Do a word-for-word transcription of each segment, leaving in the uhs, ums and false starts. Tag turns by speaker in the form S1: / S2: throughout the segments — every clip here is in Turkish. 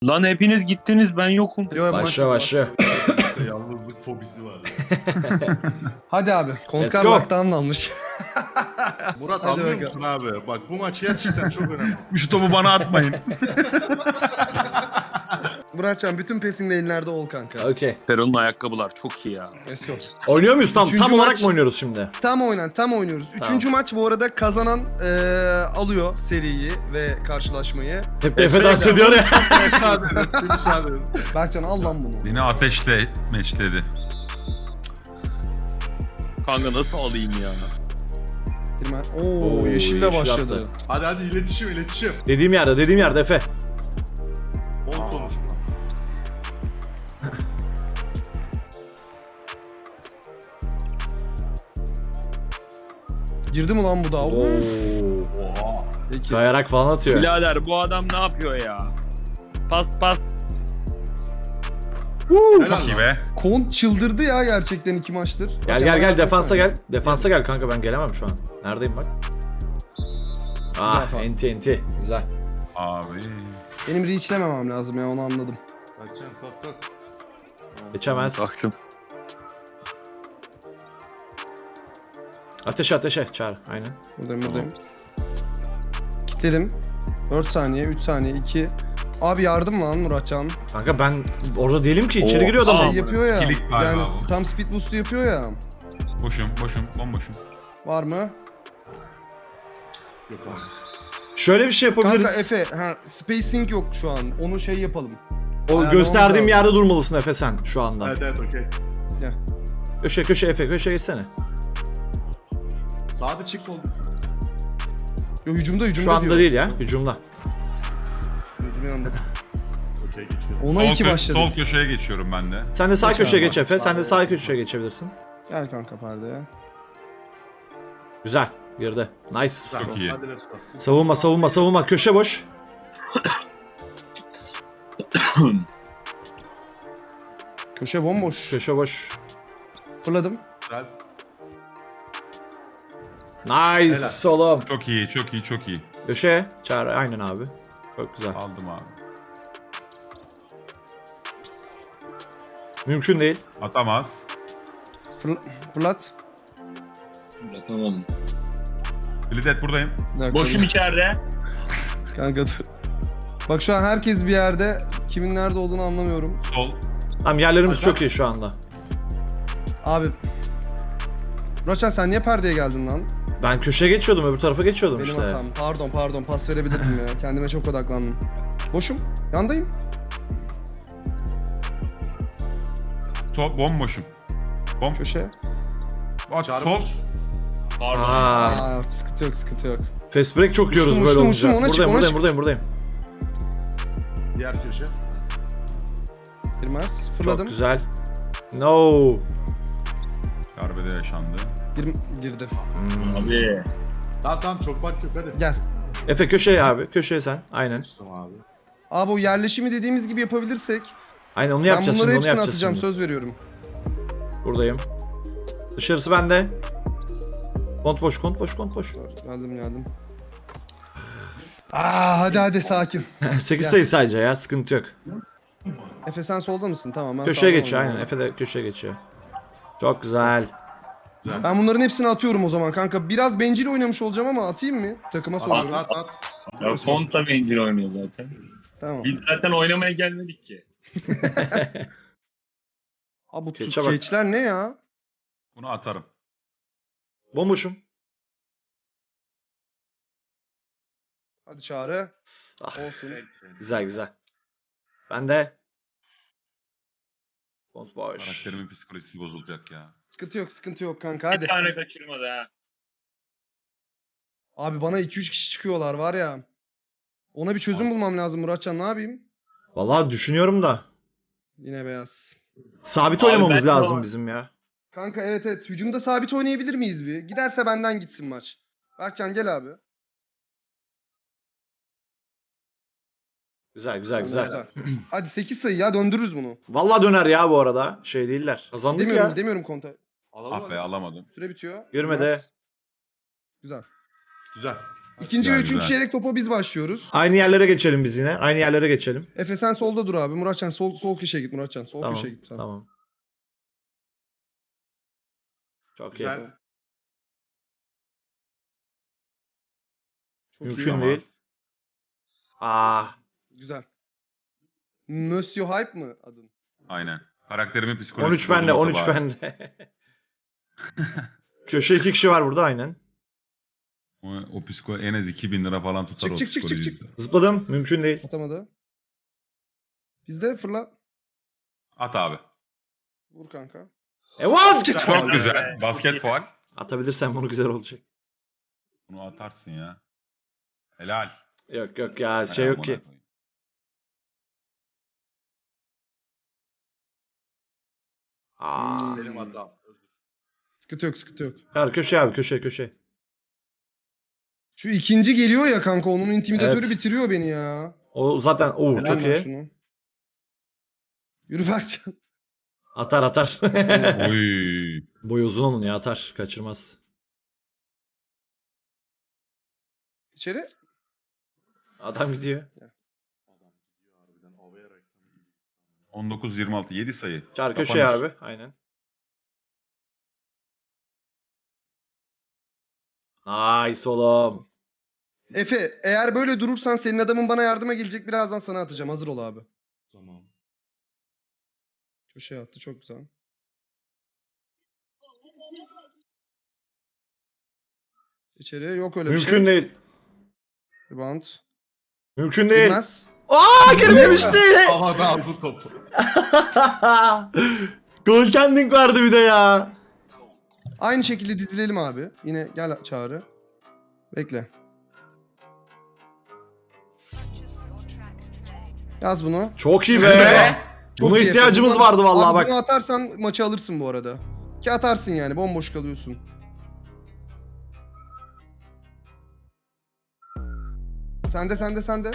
S1: Lan hepiniz gittiniz, ben yokum.
S2: Yo,
S3: Başla başla.
S4: Yalnızlık fobisi var ya.
S2: Hadi abi.
S3: Let's
S2: Kontkar
S3: go.
S2: lockdown almış.
S4: Murat
S2: Hadi
S4: anlıyor
S2: bakalım.
S4: musun abi? Bak bu maç gerçekten çok önemli.
S5: Şu topu bana atmayın.
S2: Muratcan bütün passing lane'lerde ol kanka.
S3: Okey.
S1: Peron'un ayakkabılar çok iyi ya.
S2: Let's go.
S3: Oynuyor muyuz tam?
S2: Üçüncü
S3: Tam olarak
S2: maç.
S3: mı oynuyoruz şimdi?
S2: Tam oynan, tam oynuyoruz. Üçüncü maç bu arada kazanan eee, alıyor seriyi ve karşılaşmayı.
S3: Hep de Efe dans ediyor ya.
S4: müsaade edin. Bir müsaade edin.
S2: Berkcan al lan bunu.
S5: Beni ateşle meçledi.
S1: Kanka nasıl alayım ya?
S2: Girme. Oo,
S3: Oo,
S2: yeşille
S3: yeşil
S2: başladı.
S3: attı.
S4: Hadi hadi iletişim iletişim.
S3: Dediğim yerde, dediğim yerde Efe.
S4: Bol konuşma.
S2: Girdi mi lan bu da? Oo.
S3: Oo.
S4: Oha.
S2: Peki.
S3: Kayarak falan atıyor.
S1: Birader bu adam ne yapıyor ya? Pas pas.
S4: Helal
S5: Çok iyi
S4: lan.
S5: be.
S2: Kont çıldırdı ya gerçekten iki maçtır.
S3: Gel
S2: Hocam
S3: gel gel
S2: bana
S3: defansa
S2: atsana.
S3: gel. Defansa gel kanka, ben gelemem şu an. Neredeyim bak. Ah
S2: Güzel
S3: enti enti. Güzel.
S5: Abi.
S2: Benim reachlememem lazım ya, onu anladım.
S4: Kaçacağım kalk kalk.
S3: Geçemez.
S1: Baktım.
S3: Ateşe ateşe çağır. Aynen.
S2: Buradayım buradayım. Kilitledim. dört saniye, üç saniye, iki. Abi yardım lan Muratcan.
S3: Kanka ben orada değilim ki, içeri
S1: Oo,
S3: giriyor
S2: Şey
S3: adam.
S2: yapıyor ya.
S5: Kilit galiba
S2: Yani
S5: bu.
S2: tam speed boost'u yapıyor ya.
S5: Boşum boşum bomboşum.
S2: Var mı?
S4: Yok abi.
S3: Şöyle bir şey
S2: Kanka
S3: yapabiliriz.
S2: Efe, ha, spacing yok şu an. Onu şey yapalım.
S3: O
S2: Yani
S3: gösterdiğim
S2: orada-
S3: yerde durmalısın Efe sen şu anda.
S4: Evet evet okey.
S3: Köşe köşe Efe, köşe geçsene.
S4: Sağda çık oldu.
S2: Yo, hücumda hücumda
S3: Şu anda
S2: diyor.
S3: değil ya, hücumda.
S2: Hücum yanında.
S4: Okey geçiyorum.
S2: Ona
S5: Sol,
S2: iki
S5: kö-
S2: başladı.
S5: sol köşeye geçiyorum ben de.
S3: Sen de sağ
S2: Geç
S3: köşeye
S2: abi.
S3: geç Efe, sen de sağ köşeye geçebilirsin.
S2: Gel kanka perdeye.
S3: Güzel, girdi. Nice.
S5: Çok iyi.
S4: Hadi let's go.
S3: Savunma savunma savunma, köşe boş.
S2: Köşe bomboş.
S3: Köşe boş.
S2: Fırladım.
S4: Güzel.
S3: Nice oğlum.
S5: Çok iyi çok iyi çok iyi.
S3: Köşe çağır, aynen abi. Çok güzel.
S5: Aldım abi.
S3: Mümkün değil.
S5: Atamaz.
S2: Fırla fırlat.
S1: Atamadım.
S5: Blizzard buradayım.
S2: Bir dakika.
S1: Boşum içeride.
S2: Kanka dur. Bak şu an herkes bir yerde. Kimin nerede olduğunu anlamıyorum.
S5: Sol.
S3: Tamam, yerlerimiz
S4: Hakan.
S3: çok iyi şu anda.
S2: Abi. Muratcan sen niye perdeye geldin lan?
S3: Ben köşeye geçiyordum, öbür tarafa geçiyordum
S2: Benim
S3: işte.
S2: hatam. Pardon pardon, pas verebilirdim ya. Kendime çok odaklandım. Boşum. Yandayım.
S5: Sol bomboşum. Bom.
S2: Köşe.
S5: Bak
S4: Çağrı
S5: sol.
S4: boş.
S1: Pardon.
S3: Aa,
S2: Aa, sıkıntı yok sıkıntı yok.
S3: fast break çok yiyoruz
S2: Uçtum,
S3: böyle
S2: uçtum,
S3: olunca.
S2: uçtum, ona çık,
S3: buradayım,
S2: ona
S3: buradayım,
S2: çık.
S3: buradayım, buradayım.
S4: Diğer köşe.
S2: Girmez.
S3: Çok
S2: Fırladım.
S3: güzel. No.
S5: Darbede yaşandı.
S2: Gir girdi.
S3: Hmm.
S1: Abi.
S4: Tamam tamam çok fark yok hadi.
S2: Gel.
S3: Efe köşeye abi, köşeye sen. Aynen.
S4: Tamam abi.
S2: Abi o yerleşimi dediğimiz gibi yapabilirsek
S3: Aynen onu
S2: ben
S3: yapacağız
S2: bunları
S3: şimdi, onu
S2: hepsini
S3: yapacağız
S2: atacağım,
S3: şimdi.
S2: söz veriyorum.
S3: Buradayım. Dışarısı bende. Kont boş, kont boş, kont boş.
S2: Geldim geldim. Aa hadi hadi sakin.
S3: sekiz
S2: Gel.
S3: sayı sadece ya, sıkıntı yok.
S2: Efe sen solda mısın? Tamam ben
S3: Köşeye
S2: sağda
S3: geçiyor aynen,
S2: oynuyorum.
S3: Efe de köşeye geçiyor. Çok güzel.
S2: Ben bunların hepsini atıyorum o zaman kanka. Biraz bencil oynamış olacağım ama atayım mı? Takıma
S4: At
S2: soruyorum.
S4: at at.
S1: Ya Kont da bencil oynuyor zaten.
S2: Tamam.
S1: Biz zaten oynamaya gelmedik ki.
S2: Abi bu
S3: Keçe bak.
S2: keçler ne ya?
S5: Bunu atarım.
S3: Bomboşum.
S2: Hadi Çağrı.
S3: Ah,
S2: Olsun.
S3: güzel güzel. Ben de. Kont boş.
S5: Karakterimin psikolojisi bozulacak ya.
S2: Sıkıntı yok sıkıntı yok kanka
S1: Bir
S2: hadi.
S1: tane kaçırmadı ha.
S2: Abi bana iki üç kişi çıkıyorlar var ya. Ona bir çözüm
S5: Abi.
S2: bulmam lazım Muratcan, ne yapayım?
S3: Vallahi düşünüyorum da.
S2: Yine beyaz.
S3: Sabit
S1: Abi
S3: oynamamız
S1: ben de
S3: lazım
S1: var.
S3: bizim ya.
S2: Kanka evet evet, hücumda sabit oynayabilir miyiz bir? Giderse benden gitsin maç. Berkcan gel abi.
S3: Güzel güzel güzel.
S2: Hadi sekiz sayı ya, döndürürüz bunu.
S3: Vallahi döner ya bu arada. Şey değiller. Kazandık
S2: Demiyorum
S3: ya.
S2: demiyorum konta.
S4: Alalım
S5: Ah be
S4: hadi.
S5: alamadım.
S2: Süre bitiyor.
S3: Girmedi.
S2: Biraz. Güzel.
S4: Güzel.
S2: İkinci
S5: Güzel,
S2: ve üçüncü
S5: güzel.
S2: çeyrek topa biz başlıyoruz.
S3: Aynı yerlere geçelim biz yine. Aynı yerlere geçelim.
S2: Efe sen solda dur abi. Muratcan sol sol köşeye git Muratcan. Sol
S3: Tamam.
S2: köşeye git sen.
S3: Tamam. Çok iyi.
S4: Güzel.
S2: Çok
S3: Mümkün
S2: iyi.
S3: değil. Ah.
S2: Güzel. Monsieur Hype mı adın?
S5: Aynen. Karakterimin psikolojisi
S3: on üç bende, on üç
S5: bozulmasa bari.
S3: bende. Köşe iki kişi var burada aynen.
S5: O, o psiko en az iki bin lira falan tutar
S2: Çık,
S5: o
S2: çık, çık, çık,
S5: psikoloji.
S3: Zıpladım. Mümkün değil.
S2: Atamadı. Bizde fırla.
S5: At abi.
S2: Vur kanka.
S3: E what?
S5: Çok güzel. Basket faul.
S3: Atabilirsen bunu güzel olacak.
S5: Bunu atarsın ya. Helal.
S3: Yok yok ya şey yok ki. Aa.
S4: Benim hatam.
S2: Sıkıntı yok sıkıntı yok.
S3: Ver köşe abi köşe köşe.
S2: Şu ikinci geliyor ya kanka onun intimidatörü
S3: Evet.
S2: bitiriyor beni ya.
S3: O zaten o
S2: Helal
S3: çok
S2: lan
S3: iyi.
S2: şunu. Yürü Berkcan.
S3: Atar atar.
S5: Oy.
S3: Boy uzun onun ya atar. Kaçırmaz.
S2: İçeri.
S3: Adam gidiyor.
S4: Harbiden havaya reklamı gibi.
S5: on dokuz yirmi altı. yedi sayı.
S3: Çar köşeye
S5: Kapanış.
S3: abi. Aynen. Nice oğlum.
S2: Efe eğer böyle durursan senin adamın bana yardıma gelecek, birazdan sana atacağım. Hazır ol abi.
S4: Tamam.
S2: Köşeye attı, çok güzel. İçeriye yok öyle bir
S3: Mümkün
S2: şey.
S3: değil.
S2: Rebound.
S3: Mümkün değil.
S2: Girmez.
S3: Aa girmemişti.
S4: Havada aldı topu.
S3: Goaltending vardı bir de ya.
S2: Aynı şekilde dizilelim abi. Yine gel Çağrı. Bekle. Yaz bunu.
S3: Çok iyi
S2: Be.
S3: be.
S2: Çok
S3: Buna
S2: iyi
S3: ihtiyacımız
S2: Efe.
S3: vardı vallahi
S2: Abi
S3: bak.
S2: Bunu atarsan maçı alırsın bu arada. Ki atarsın yani, bomboş kalıyorsun. Sende sende sende.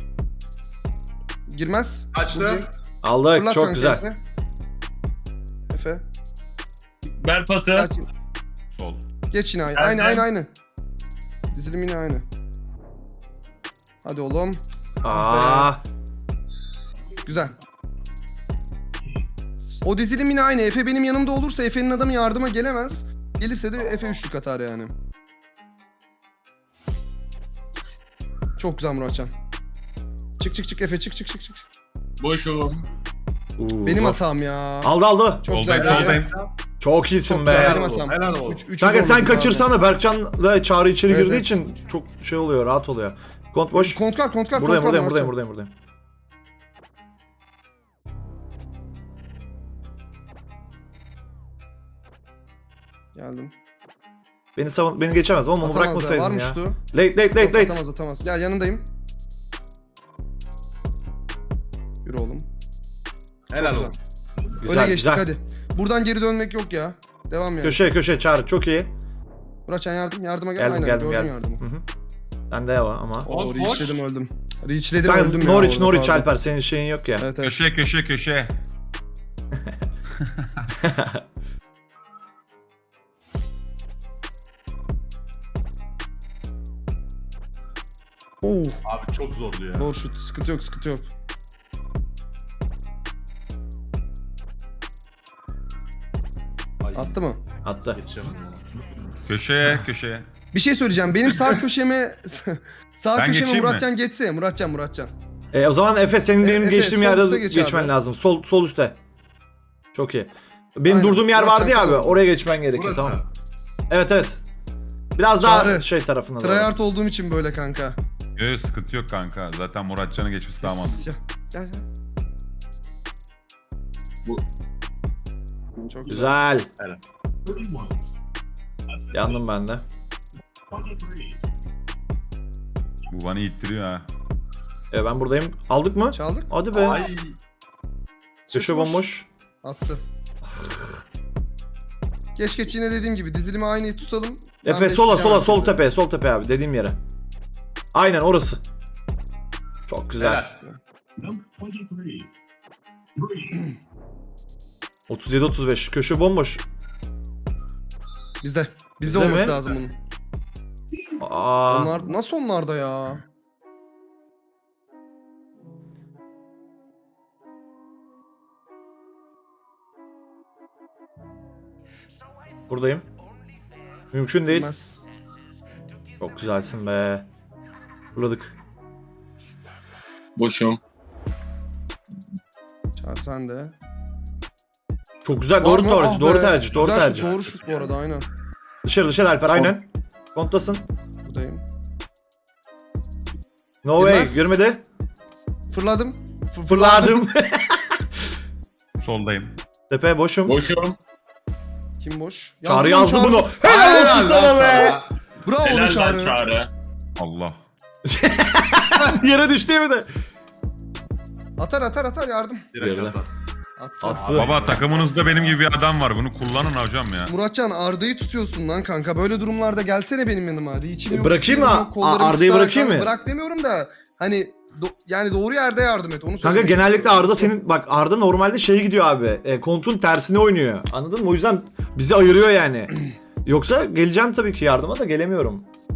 S2: Girmez.
S4: Açtı.
S2: Buradayım.
S3: Aldık
S2: Fırlat
S3: çok
S2: kanka
S3: güzel.
S2: Efe. Efe.
S1: Ver pası.
S2: Kaç-
S5: Sol.
S2: Geç yine aynı.
S1: Geldim.
S2: Aynı aynı aynı. Dizilim yine aynı. Hadi oğlum.
S3: Aa.
S2: Güzel. O dizilim yine aynı. Efe benim yanımda olursa Efe'nin adamı yardıma gelemez. Gelirse de Efe üçlük atar yani. Çok güzel Muratcan. Çık çık çık Efe, çık çık çık çık.
S1: Boşum.
S3: Uu,
S2: Benim
S3: zor.
S2: hatam ya.
S3: Aldı aldı.
S2: Çok
S5: Soldayım,
S2: güzel.
S5: soldayım.
S3: Çok iyisin
S2: Çok
S3: be.
S2: güzel,
S4: Helal
S2: benim
S4: olsun.
S2: hatam.
S4: Helal olsun.
S2: Üç- üçü
S3: Kanka sen
S2: zorladım abi.
S3: kaçırsana Berkcan'la Çağrı içeri
S2: Evet,
S3: girdiği
S2: evet.
S3: için çok şey oluyor, rahat oluyor. Kont boş.
S2: Kontkar kontkar
S3: Buradayım,
S2: kontkar
S3: buradayım, buradayım,
S2: Muratcan.
S3: buradayım, buradayım.
S2: Geldim.
S3: Beni savun, beni geçemez oğlum onu
S2: Atamaz ya,
S3: bırakmasaydın
S2: varmış
S3: ya.
S2: tu.
S3: Late, late, late,
S2: Yok,
S3: late.
S2: atamaz atamaz. Gel yanındayım. Yürü oğlum.
S4: Helal
S2: güzel.
S4: olsun.
S3: Güzel,
S2: Öne geçtik
S3: güzel.
S2: hadi. Buradan geri dönmek yok ya. Devam yani.
S3: Köşe, köşe, Çağrı çok iyi.
S2: Muratcan yardım, yardıma gel.
S3: Geldim,
S2: Aynen,
S3: geldim,
S2: gördüm
S3: geldim.
S2: yardımı.
S3: Hı hı. Ben de var ama.
S2: Oo,
S4: Boş,
S2: reachledim öldüm. Reachledim
S3: Ben
S2: öldüm ya.
S3: Norwich,
S2: orada,
S3: Norwich
S2: pardon.
S3: Alper senin şeyin yok ya.
S2: Evet evet.
S5: Köşe köşe köşe.
S2: Oo,
S4: Abi çok zordu ya.
S2: doğru şut. Sıkıntı yok, sıkıntı yok.
S4: Ay,
S2: Attı mı?
S3: Attı.
S4: Yetişemedim ona.
S5: Köşeye köşeye.
S2: Bir şey söyleyeceğim. Benim sağ köşeme sağ
S5: Ben
S2: köşeme
S5: geçeyim mi?
S2: Muratcan geçse. Muratcan, Muratcan.
S3: E, o zaman Efe senin
S2: E,
S3: benim
S2: Efe,
S3: geçtiğim
S2: sol
S3: yerde
S2: üste geç
S3: geçmen
S2: abi.
S3: lazım. Sol sol üstte. Çok iyi. Benim
S2: Aynen.
S3: durduğum yer
S2: Muratcan
S3: vardı ya abi.
S2: tamam.
S3: Oraya geçmen gerekiyor
S4: Burası.
S3: tamam. Evet evet. Biraz daha
S2: Çağrı.
S3: şey tarafına doğru.
S2: Tryhard olduğum için böyle kanka.
S5: Yok sıkıntı yok kanka. Zaten Muratcan'ı geçmesi daha mantıklı.
S2: Gel, gel, gel.
S1: Bu-
S2: Çok güzel.
S3: Güzel. Yandım ben de.
S5: Bu bana ittiriyor ha.
S3: E, ben buradayım. Aldık mı?
S2: Çaldık.
S3: Hadi be.
S4: Ay.
S3: Köşe bomboş.
S2: Attı. Geç geç yine dediğim gibi dizilimi aynı tutalım. Ben
S3: Efe sola
S2: besleyeceğim
S3: sola sol
S2: herkese.
S3: tepeye sol tepeye abi dediğim yere. Aynen orası. Çok güzel.
S4: Helal.
S3: otuz yedi otuz beş köşe bomboş.
S2: Bizde. Bizde
S3: Bizde
S2: olması
S3: mi?
S2: lazım bunun.
S3: Aa,
S2: Onlar nasıl onlarda ya?
S3: buradayım. Mümkün değil.
S2: Bilmez.
S3: Çok güzelsin be. Fırladık.
S1: Boşum.
S2: Çağır sen de.
S3: Çok güzel.
S2: Var
S3: Doğru
S2: mı?
S3: tercih.
S2: Ah
S3: Doğru
S2: be.
S3: tercih. Doğru
S2: Güzel şut,
S3: tercih.
S2: Doğru şut bu arada aynen.
S3: Dışarı dışarı Alper aynen. Konttasın.
S2: Buradayım.
S3: No way.
S2: Girmez.
S3: Girmedi.
S2: Fırladım. Fır-
S3: Fırladım.
S5: Soldayım.
S3: Tepe boşum.
S1: Boşum.
S2: Kim boş?
S3: Çağrı
S2: Yazdım
S3: yazdı
S2: Çağrı.
S3: bunu. Helal olsun sana be.
S2: Bravo
S1: Helal lan
S2: Çağrı.
S1: Çağrı.
S5: Allah.
S3: Yere düştü mi de?
S2: Atar atar atar yardım.
S4: Direkt
S3: Geride.
S4: atar.
S2: Attı.
S3: Attı.
S5: Baba takımınızda benim gibi bir adam var. Bunu kullanın hocam ya.
S2: Muratcan Arda'yı tutuyorsun lan kanka. Böyle durumlarda gelsene benim yanıma. Reach'im yok.
S3: Bırakayım mı?
S2: şeyim yok, kollarım
S3: A- Arda'yı
S2: kısa.
S3: bırakayım
S2: Kanka
S3: mı?
S2: Bırak demiyorum da hani do- yani doğru yerde yardım et. Onu
S3: Kanka
S2: söyleyeyim.
S3: genellikle Arda senin bak Arda normalde şey gidiyor abi. E, kontun tersine oynuyor. Anladın mı? O yüzden bizi ayırıyor yani. Yoksa geleceğim tabii ki yardıma da gelemiyorum.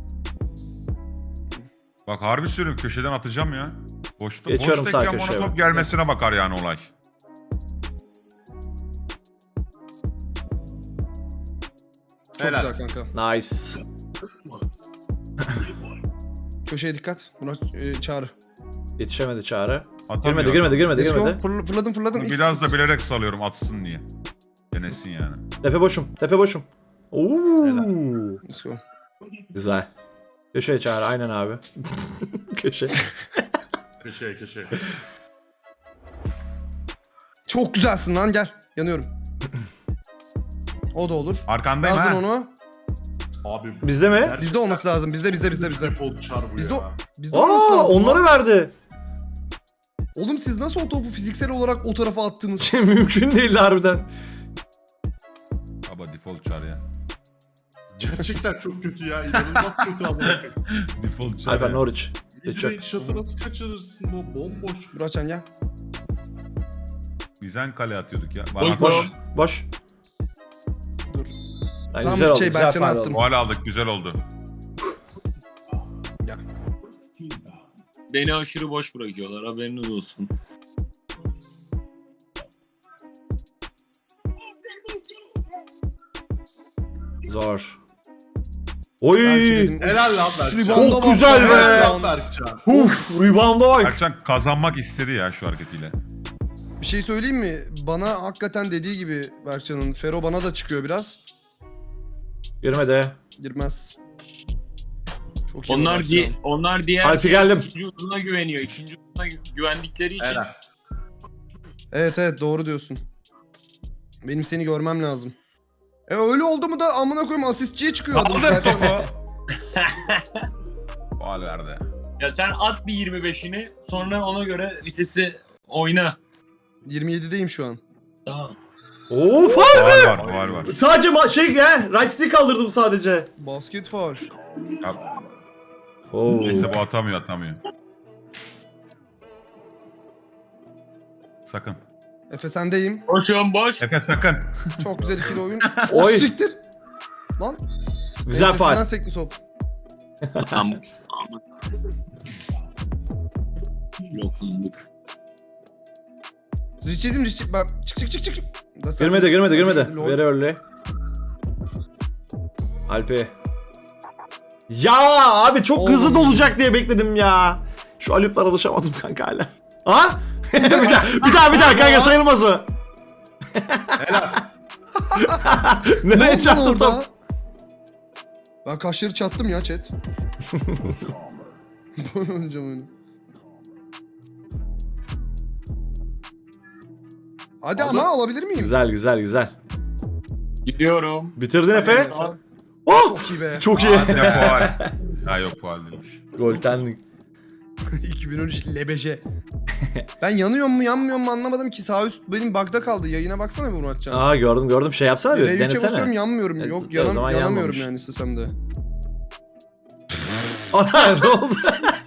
S5: Bak harbi söylüyorum köşeden atacağım ya. Boşta,
S3: Geçiyorum sağ
S5: boştayken
S3: köşeye
S5: bana top
S3: bak.
S5: gelmesine bakar yani olay.
S2: Çok
S4: Helal.
S2: güzel kanka.
S3: Nice.
S2: Köşeye dikkat. Murat e, Çağrı.
S3: Yetişemedi Çağrı.
S5: Atamıyor.
S3: Girmedi girmedi girmedi
S2: Let's go.
S3: girmedi.
S2: Fırl- fırladım fırladım.
S5: Bunu
S2: X,
S5: biraz
S2: X.
S5: da bilerek salıyorum atsın diye. Denesin yani.
S3: Tepe boşum. Tepe boşum. Oo.
S2: Let's go.
S3: Güzel. Köşeye Çağrı aynen abi. Köşe.
S4: Köşeye köşeye.
S2: Çok güzelsin lan gel. Yanıyorum. O da olur.
S5: Arkandayım
S2: Yazdın
S5: ha.
S2: onu.
S4: Abi.
S3: Bizde mi?
S4: gerçekten
S2: Bizde olması lazım. Bizde bizde bizde bizde.
S4: Defol çar bu
S2: Bizde
S4: ya.
S2: o- Bizde olması
S3: Aa,
S2: lazım.
S3: onları
S2: lan.
S3: verdi.
S2: Oğlum siz nasıl o topu fiziksel olarak o tarafa attınız?
S3: Mümkün değildi harbiden.
S5: Baba default çar ya.
S4: Gerçekten çok kötü ya. İnanılmaz kötü ama.
S5: Default çar
S3: Alper
S5: ya.
S3: Norwich.
S4: Midrange shot'ı nasıl kaçırırsın o bomboş.
S2: Muratcan gel.
S5: Biz en kale atıyorduk ya.
S1: Boş,
S5: Bana
S3: Boş.
S1: boş.
S3: Boş.
S2: Dur.
S3: Lan
S2: Tam
S3: güzel oldu.
S2: şey,
S3: Güzel
S2: Berkcan'a
S3: faul
S2: attım.
S3: oldu.
S5: Faul aldık güzel oldu.
S1: Beni aşırı boş bırakıyorlar haberiniz olsun.
S3: Zor. Oy.
S2: Belki dedim,
S4: Helal lan
S2: Şu
S4: Berkcan.
S2: rebound'a
S3: Çok
S2: bak
S3: güzel
S2: ya.
S3: be.
S4: Helal lan Berkcan.
S3: Uf, rebound'a bak.
S5: Berkcan kazanmak istedi ya şu hareketiyle.
S2: Bir şey söyleyeyim mi? Bana hakikaten dediği gibi Berkcan'ın. Fero bana da çıkıyor biraz.
S3: Girmedi.
S2: Girmez. Çok iyi
S1: Onlar
S2: Berkcan.
S1: di onlar diğer
S3: Alpi geldim.
S1: ikinci uzuna güveniyor. İkinci uzuna gü- güvendikleri için
S4: Helal.
S2: Evet evet doğru diyorsun. Benim seni görmem lazım. E öyle oldu mu da amına koyayım asistçiye çıkıyor adam
S5: Aldık
S2: zaten.
S5: topu. Faul verdi.
S1: ya sen at bir yirmi beşini sonra ona göre vitesi oyna.
S2: yirmi yedideyim şu an.
S1: Tamam.
S3: Oo, faul.
S5: Faul var faul var.
S3: Sadece ma- şey ya, right stick kaldırdım sadece.
S2: Basket faul.
S5: Ya,
S3: Oo.
S5: neyse bu atamıyor atamıyor. Sakın.
S2: Efe sendeyim.
S1: Boşum boş.
S5: Efe sakın.
S2: Çok güzel ikili oyun.
S3: Oy.
S2: Oy. Siktir. Lan.
S3: Güzel
S2: ensesinden
S3: faul.
S2: sekli top.
S1: Tamam. Loklandık.
S2: Richie'dim Richie. Bak çık çık çık çık. Da sen-
S3: Girmedi girmedi girmedi.
S2: Lol.
S3: Very early. Alpi. Ya abi çok
S2: Oğlum.
S3: hızlı dolacak diye bekledim ya. Şu alüpler alışamadım kanka hala. Ha? bir daha bir daha bir daha kanka sayılmaz o.
S2: Ne
S3: Nereye
S2: oldu
S3: çarptı
S2: orada?
S3: top?
S2: Ben kaşları çattım ya chat. Böyle oynayacağım oyunu. Hadi
S4: Aldım.
S2: ama alabilir miyim?
S3: Güzel güzel güzel.
S1: Gidiyorum.
S3: Bitirdin Efe.
S2: Efe.
S3: Oh!
S2: Çok iyi be.
S3: Çok iyi.
S5: Hadi ne faul. Ha yok faul değilmiş.
S3: Goltenlik.
S2: iki bin on üç lebeje. Ben yanıyor mu yanmıyor mu anlamadım ki sağ üst benim bug'da kaldı. Yayına baksana bir Muratcan.
S3: Aa gördüm gördüm şey yapsana bir
S2: R üç'e basıyorum
S3: denesene.
S2: yanmıyorum.
S3: Evet,
S2: Yok
S3: o
S2: yanam,
S3: zaman
S2: yanamıyorum
S3: yanmamış.
S2: yani istesem de.
S3: Ana ne oldu?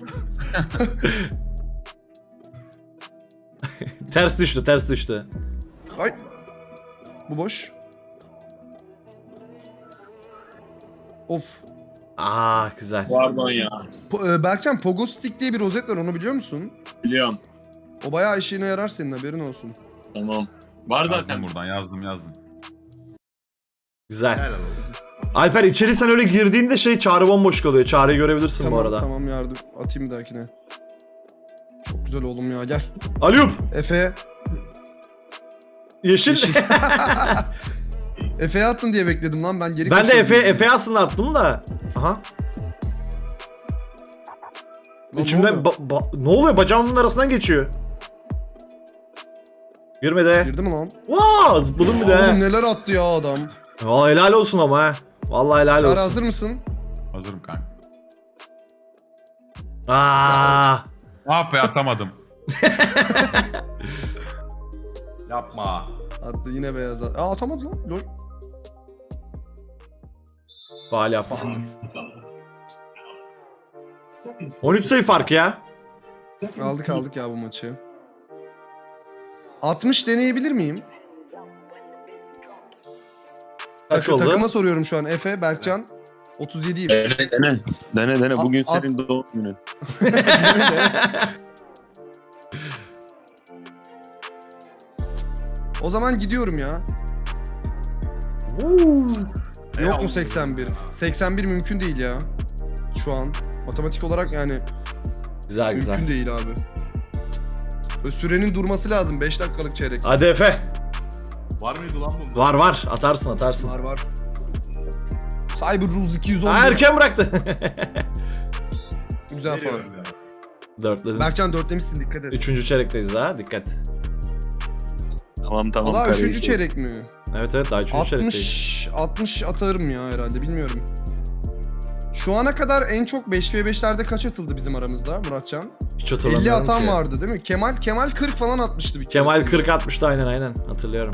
S3: Ters düştü ters düştü.
S2: Ay. Bu boş. Of.
S3: Aa güzel.
S1: Pardon ya.
S2: Po- e, Berkcan Pogo Stick diye bir rozet var, onu biliyor musun?
S1: Biliyorum.
S2: O bayağı işine yarar, senin haberin olsun.
S1: Tamam. Var
S5: Yazdım
S1: zaten.
S5: buradan yazdım yazdım.
S3: Güzel.
S4: Helal olsun.
S3: Alper içeri sen öyle girdiğinde şey Çağrı bomboş kalıyor. Çağrı'yı görebilirsin
S2: Tamam
S3: bu arada.
S2: tamam, yardım atayım bir dahakine. Çok güzel oğlum ya, gel.
S3: Aliyup.
S2: Efe.
S3: Yeşil.
S2: Yeşil. Efe'ye attın diye bekledim lan, ben geri
S3: Ben de
S2: kaçıyordum.
S3: Efe Efe aslında attım da. Aha.
S2: Lan
S3: İçimden
S2: ne
S3: ba- ba- ne oluyor? Bacağımın arasından geçiyor. Girmedi.
S2: Girdi mi lan?
S3: Vaa zıpladım bir de.
S2: Oğlum
S3: he.
S2: neler attı ya adam.
S3: Vallahi helal olsun ama ha. Vallahi helal
S2: Çağrı
S3: olsun.
S2: hazır mısın?
S5: Hazırım kanka.
S3: Aa.
S5: Ah be atamadım.
S4: Yapma.
S2: Attı yine beyaz attı. Aa atamadı lan. Lol.
S3: Faal yaptı. on üç sayı fark ya.
S2: Aldık aldık ya bu maçı. altmış deneyebilir miyim?
S3: Kaç
S2: Takı-
S3: oldu?
S2: Takıma soruyorum şu an. Efe, Berkcan. otuz yediyim.
S1: Dene dene. Dene dene. Bugün
S2: At-
S1: senin doğum günün.
S2: O zaman gidiyorum ya. Yok mu seksen bir? seksen bir mümkün değil ya. Şu an. Matematik olarak yani
S3: Güzel güzel.
S2: mümkün değil abi. Ö, Sürenin durması lazım. beş dakikalık çeyrek.
S3: Hadi Efe.
S4: Var mıydı lan bunda?
S3: Var var. Atarsın atarsın.
S2: Var var. Cyber Rules iki yüz on.
S3: Aa, erken bıraktı.
S2: Güzel falan.
S4: Veriyorum ya.
S3: Dörtledim.
S2: Berkcan dörtlemişsin, dikkat et.
S3: Üçüncü çeyrekteyiz daha. Dikkat.
S1: Tamam tamam.
S2: Valla
S1: kardeşim.
S2: üçüncü çeyrek mi?
S3: Evet evet daha üçüncü çeyrekteyiz.
S2: altmış altmış atarım ya herhalde, bilmiyorum. Şu ana kadar en çok beş ve beşlerde kaç atıldı bizim aramızda Muratcan?
S3: Hiç
S2: elli
S3: hatırlamıyorum
S2: atan
S3: ki.
S2: vardı değil mi? Kemal Kemal kırk falan atmıştı bir kere.
S3: Kemal
S2: sanırım.
S3: kırk atmıştı aynen aynen. Hatırlıyorum.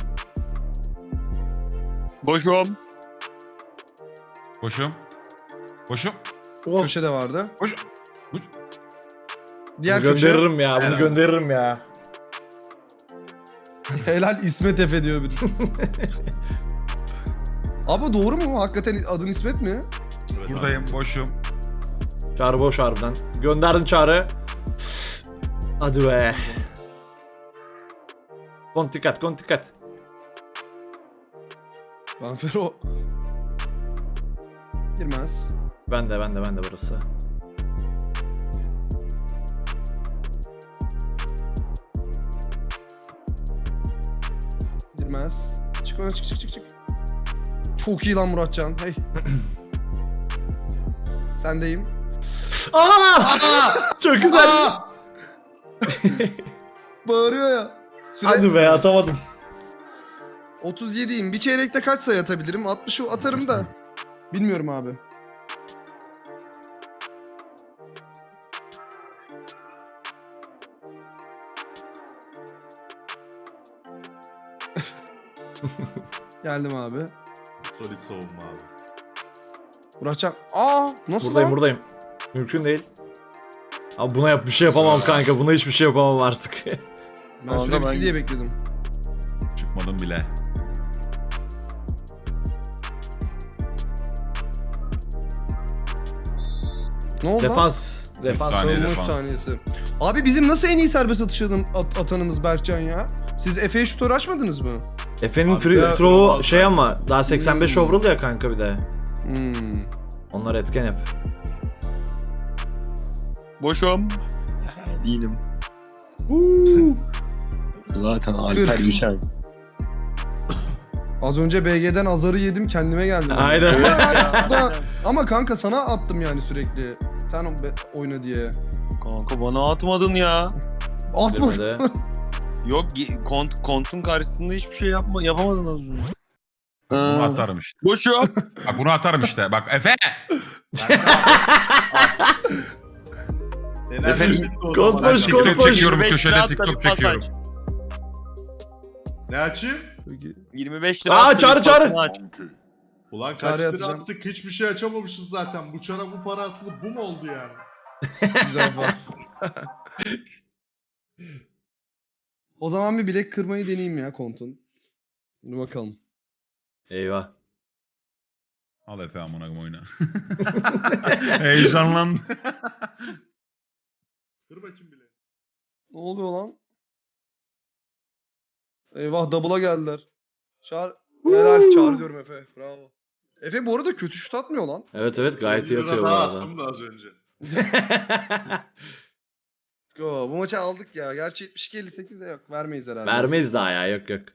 S1: Boşum.
S5: Koşum. Koşum.
S3: Oh,
S2: Köşe de vardı.
S5: Koş. Koş.
S2: Diğer
S3: bunu
S2: köşe.
S3: gönderirim ya. Bunu
S4: Helal.
S3: gönderirim ya.
S2: Helal İsmet Efe diyor biri. Abi doğru mu? Hakikaten adın İsmet mi?
S4: Evet,
S5: Buradayım
S4: abi.
S5: boşum.
S3: Çağrı boş harbiden. Gönderdin Çağrı. Hadi be. Kont dikkat, kont dikkat.
S2: Banfero. Girmez.
S3: Ben de, ben de, ben de burası.
S2: Girmez. Çık ona, çık çık çık çık. Çok iyi lan Muratcan. Hey. Sendeyim.
S3: Aa! Çok güzel.
S2: Bağırıyor ya. Süre...
S3: Hadi be atamadım.
S2: otuz yediyim. Bir çeyrekte kaç sayı atabilirim? altmışı atarım da. Bilmiyorum abi. Geldim abi.
S4: Solid savunma abi.
S2: Muratcan. Aa, nasıl
S3: Buradayım,
S2: lan?
S3: buradayım. Mümkün değil. Abi buna yap bir şey yapamam kanka. Buna hiçbir şey yapamam artık.
S2: Ben
S1: Kanka
S2: süre bitti
S1: ben-
S2: diye bekledim.
S5: Çıkmadım bile.
S2: Ne oldu lan?
S3: Defans. Defans.
S5: saniye
S2: Savunma üç
S5: defans.
S2: saniyesi. Abi bizim nasıl en iyi serbest atış atan- at- atanımız Berkcan ya? Siz Efe'ye şutör açmadınız mı?
S3: Efe'nin
S4: Abi
S3: free
S4: ya,
S3: throw
S4: normal
S3: şey
S4: ben-
S3: ama daha seksen beş
S2: Hmm.
S3: overall ya kanka bir de.
S2: Hmm.
S3: Onlar etken hep.
S1: Boşum. Değilim. Zaten Alper
S2: Kırk.
S1: düşer.
S2: Az önce B G'den azarı yedim, kendime geldim.
S3: Aynen.
S2: Da- ama kanka sana attım yani sürekli. Sen o- be- oyna diye.
S1: Kanka bana atmadın ya.
S2: Atma.
S3: Girmedi.
S1: Yok ge- kont kontun karşısında hiçbir şey yapma yapamadın az önce.
S5: Bunu
S1: Aa,
S5: atarım işte.
S1: Boşum.
S5: Bak bunu atarım işte. Bak Efe.
S4: Enerji
S1: Efendim,
S4: bitti o
S3: kod
S4: zaman.
S3: boş,
S4: Hadi.
S3: kod
S5: TikTok
S3: boş.
S5: çekiyorum
S1: yirmi beş
S5: köşede
S1: lira
S5: TikTok
S1: atla bir pas
S5: çekiyorum.
S1: aç.
S4: Ne açayım?
S2: Peki.
S1: yirmi beş lira
S3: Aa,
S1: atla bir
S3: çağrı, çağrı.
S1: pasını aç.
S4: Ulan kaç
S2: Çağrı
S4: lira
S2: atacağım.
S4: attık hiçbir şey açamamışız zaten. Bu çara bu para atılıp bu mu oldu yani?
S2: Güzel falan. O zaman bir bilek kırmayı deneyeyim ya kontun. Dur bakalım.
S3: Eyvah.
S5: Al Efe amına koyayım oyna. Heyecanlandı.
S4: Dur bakayım bile.
S2: Ne oluyor lan? Eyvah double'a geldiler. Çağır. Helal çağır diyorum Efe. Bravo. Efe bu arada kötü şut atmıyor lan.
S3: Evet evet gayet iyi
S4: Bir lira
S3: atıyor bu
S4: daha
S3: arada.
S4: attım da az önce.
S2: Let's go. Bu maçı aldık ya. Gerçi yetmiş iki elli sekiz de yok. Vermeyiz herhalde.
S3: Vermeyiz daha ya yok yok.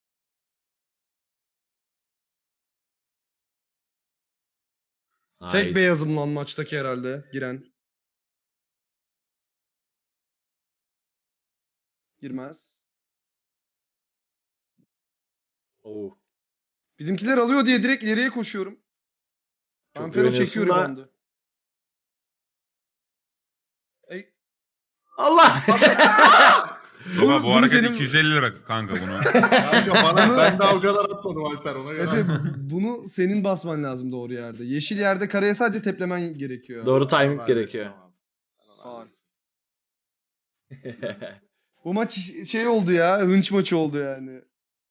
S2: Tek
S3: Nice.
S2: beyazım lan maçtaki herhalde. Giren. Girmez.
S3: Oo.
S2: Bizimkiler alıyor diye direkt ileriye koşuyorum.
S3: Çok
S2: Ben Fero
S3: güveniyorsun
S2: çekiyor
S3: da-
S2: bandı. Ey,
S3: Allah!
S5: Baba bu
S2: bunu
S5: hareket
S2: senin-
S5: iki yüz elli lira kanka bunu.
S4: Kanka bana ben daha o kadar atmadım Alper ona göre.
S2: Efe bunu senin basman lazım doğru yerde. Yeşil yerde kareye sadece teplemen gerekiyor.
S3: Doğru timing
S4: Tamam,
S3: gerekiyor.
S4: tamam.
S2: Faul. Bu maç iş- şey oldu ya. Hınç maçı oldu yani.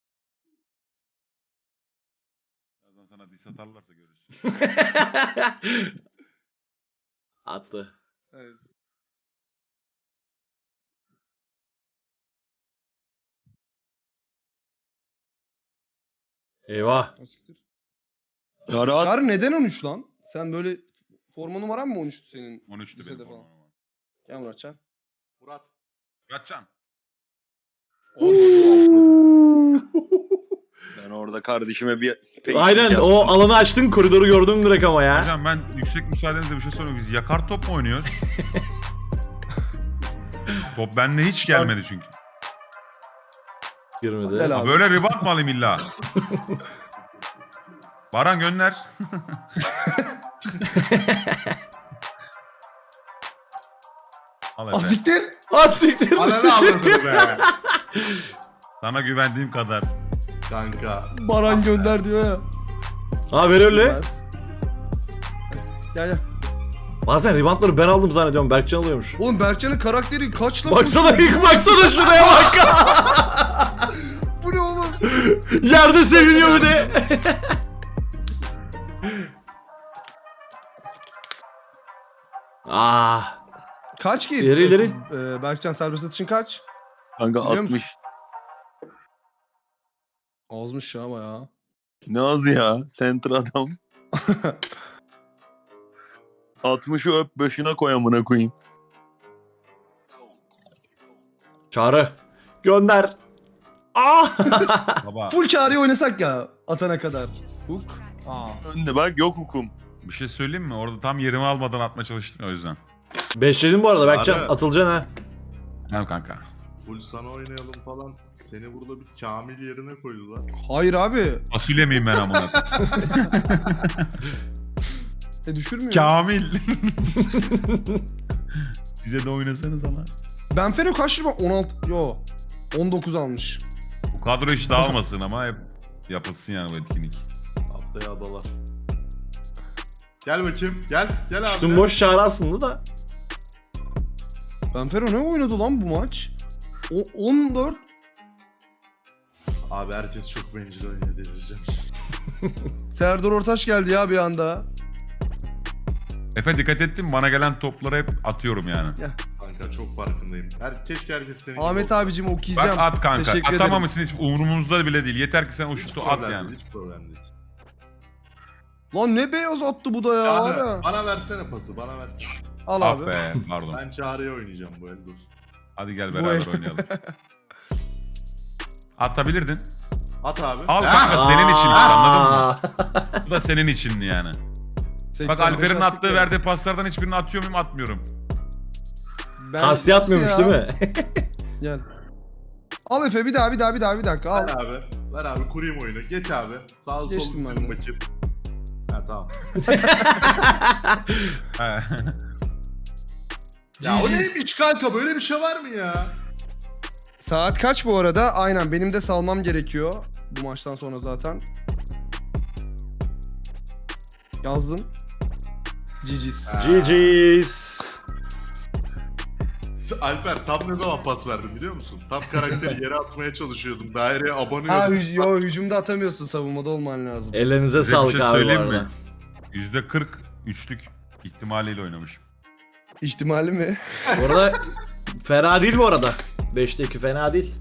S5: Birazdan sana diss atarlarsa görürsün.
S3: Attı.
S2: Evet.
S3: Eyvah.
S2: Asiktir.
S1: Ya rahat.
S2: Çağrı neden on üç lan? Sen böyle forma numaran mı on üçtü senin?
S5: on üçtü
S2: Lisede
S5: benim
S2: falan.
S5: falan.
S2: Gel Muratcan.
S4: Murat.
S5: Kaçcan.
S1: Ben orada kardeşime bir space
S3: Aynen
S1: yaptım.
S3: o alanı açtın koridoru gördüm direkt ama ya.
S5: Hocam ben yüksek müsaadenizle bir şey soruyorum. Biz yakar top mu oynuyoruz? Top bende hiç gelmedi çünkü.
S3: Girmedi.
S2: Gel
S5: Ha,
S2: abi.
S5: böyle ribat mı alayım illa? Baran gönder. Al Efe.
S2: Asiktir.
S3: Asiktir.
S4: Ananı avradını be.
S5: Sana güvendiğim kadar.
S4: Kanka.
S2: Baran gönder diyor ya.
S3: Ha ver öyle.
S2: Bilmez. Gel gel.
S3: Bazen reboundları ben aldım zannediyorum. Berkcan alıyormuş.
S2: Oğlum Berkcan'ın karakteri kaç lan?
S3: Baksana ilk baksana şuraya bak.
S2: Bu ne oğlum?
S3: Yerde seviniyor bir de. Ah.
S2: Kaç ki?
S3: İleri, ileri.
S2: Ee, Berkcan serbest atışın kaç?
S1: Kanka
S2: Biliyor musun?
S1: altmış.
S2: Azmış ya bayağı.
S1: Ne az ya. Center adam. altmışı öp başına koy amına koyayım.
S3: Çağrı. Gönder. Ah.
S5: Baba
S2: Full çağrıyı oynasak ya atana kadar. Hook. Aa.
S1: Önde bak yok hukum.
S5: bir şey söyleyeyim mi? Orada tam yerimi almadan atmaya çalıştım ya, o yüzden.
S3: Beşledin bu arada Berkcan.
S4: Çağrı.
S3: Atılacaksın ha.
S5: Tamam kanka.
S4: Full sana oynayalım falan. Seni burada bir Kamil yerine koydular.
S2: Hayır abi.
S5: Fasulye miyim ben amına?
S2: E düşürmüyor.
S5: Kamil. Bize de oynasanız ama.
S2: Ben Fero kaç lira? on altı. Yo. on dokuz almış.
S5: Bu kadro hiç dağılmasın ama hep yapılsın yani bu etkinlik.
S4: Haftaya adalar. Gel bakayım. Gel. Gel abi.
S3: Üstün boş Çağrı aslında da.
S2: Ben Fero ne oynadı lan bu maç? O, on dört.
S4: Abi herkes çok bencil oynuyor delireceğim.
S2: Serdar Ortaç geldi ya bir anda.
S5: Efe dikkat ettin mi? Bana gelen topları hep atıyorum yani.
S4: Kanka çok farkındayım. Her, keşke herkes senin gibi
S2: Ahmet
S4: olsa.
S2: abicim
S5: Bak
S2: okuyacağım.
S5: at kanka.
S2: Teşekkür ederim.
S5: Atamamışsın hiç umurumuzda bile değil. Yeter ki sen o
S4: Hiç
S5: şutu
S4: problem
S5: at yani.
S4: değil, hiç problem değil.
S2: Lan ne beyaz attı bu da ya.
S4: Çağrı,
S2: Hala.
S4: bana versene pası, bana versene.
S2: Al
S5: Ah
S2: abi.
S5: be pardon.
S4: Ben Çağrı'ya oynayacağım bu el dur.
S5: Hadi gel
S2: Bu
S5: beraber
S2: el-
S5: oynayalım. Atabilirdin.
S4: At abi.
S5: Al
S4: Ha!
S5: kanka senin için anladın mı?
S3: Aa.
S5: Bu da senin içindi yani.
S2: seksen
S5: Bak
S2: beş
S5: Alper'in
S2: attık
S5: attığı
S2: ya.
S5: verdiği paslardan hiçbirini atıyor muyum atmıyorum.
S2: Ben-
S3: Kasti atmıyormuş
S2: Ya.
S3: değil mi?
S2: Gel. Al Efe bir daha bir daha bir daha bir dakika al.
S4: Ver abi. Ver abi kurayım oyunu. Geç abi. Sağ sol
S2: Geçtim ben
S4: senin
S2: de.
S4: bakayım. Ha tamam.
S5: He.
S4: Ya o
S2: G G's.
S4: neymiş kanka, böyle bir şey var mı ya?
S2: Saat kaç bu arada? Aynen benim de salmam gerekiyor. Bu maçtan sonra zaten. Yazdın. G G's.
S4: Ha.
S3: G G's.
S4: Alper tam ne zaman pas verdim biliyor musun? Tam karakteri yere atmaya çalışıyordum. Daireye
S2: Ha
S4: abanıyordum.
S2: hü- yo, hücumda atamıyorsun, savunmada olman lazım.
S3: Ellerinize
S5: Size bir
S3: sağlık
S5: şey
S3: abi bu
S5: söyleyeyim
S3: arada.
S5: mi? yüzde kırk üçlük ihtimaliyle oynamışım.
S2: İhtimali mi?
S3: Bu arada fena değil bu arada. beşte iki fena değil.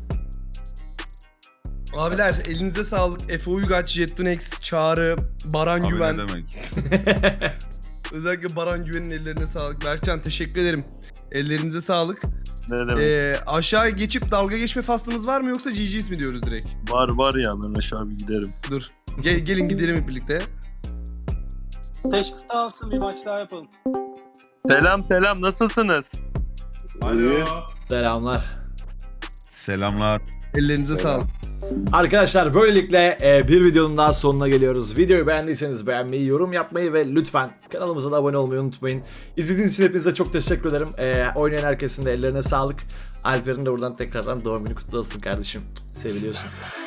S2: Abiler elinize sağlık. Efe Uygaç, Jettunex, Çağrı, Baran
S5: Abi
S2: Güven.
S5: ne demek?
S2: Özellikle Baran Güven'in ellerine sağlık. Berkcan teşekkür ederim. Ellerinize sağlık.
S6: Ne demek?
S2: Ee, aşağı geçip dalga geçme faslımız var mı yoksa G G's mi diyoruz direkt?
S6: Var var ya, ben aşağı bir giderim.
S2: Dur. Gel, gelin gidelim hep birlikte.
S7: Teşkis alsın, bir maç daha yapalım.
S6: Selam selam, nasılsınız?
S4: Alo.
S3: Selamlar.
S5: Selamlar.
S2: Ellerinize sağlık.
S3: Arkadaşlar böylelikle e, bir videonun daha sonuna geliyoruz. Videoyu beğendiyseniz beğenmeyi, yorum yapmayı ve lütfen kanalımıza da abone olmayı unutmayın. İzlediğiniz için hepinize çok teşekkür ederim. E, oynayan herkesin de ellerine sağlık. Alper'in de buradan tekrardan doğum günü kutlu olsun kardeşim. Seviliyorsun.